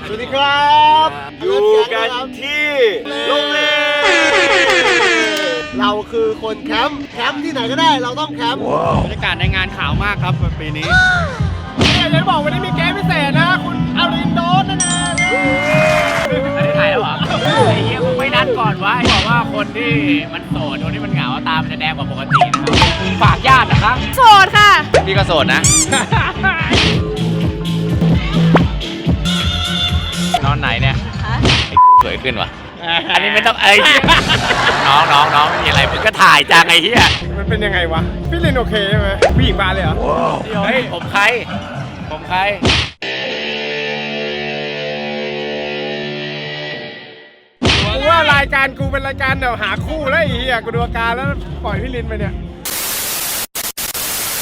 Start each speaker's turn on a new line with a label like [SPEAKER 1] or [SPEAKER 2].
[SPEAKER 1] สวัสดีครับอยู่กันที่โรงแรมเราคือคนแคมป์ที่ไหนก็ได้เราต้องแคมป์บรรยากาศในงานขาวมากครับปีนี้อยากจะบอกวันนี้มีเกมพิเศษนะคุณอารินโดนนั่นเอง
[SPEAKER 2] ไม่ได้ถ่ายแล้วเหรอไอ้เหี้ยมึงไม่นัดก่อนวะบอกว่าคนที่มันโสดคนที่มันเหงาตามันจะแดงกว่าปกตินะครับฝากญาตินะครับ
[SPEAKER 3] โสดค่ะ
[SPEAKER 2] พี่ก็โสดนะนอนไหนเนี่ยสวยขึ้นวะอันนี้ไม่ต้องน้องไม่มีอะไรมึงก็ถ่ายจังไอ้เหี้ย
[SPEAKER 1] มันเป็นยังไงวะพี่ลินโอเคใช่ไหมผู้หญิงมาเลยเหรอ
[SPEAKER 2] เฮ้ยผมใคร
[SPEAKER 1] กูว่ารายการกูเป็นรายการเดี๋ยวหาคู่แล้วไอ้เหี้ยกูดูอาการแล้วปล่อยพี่ลินไปเนี่ย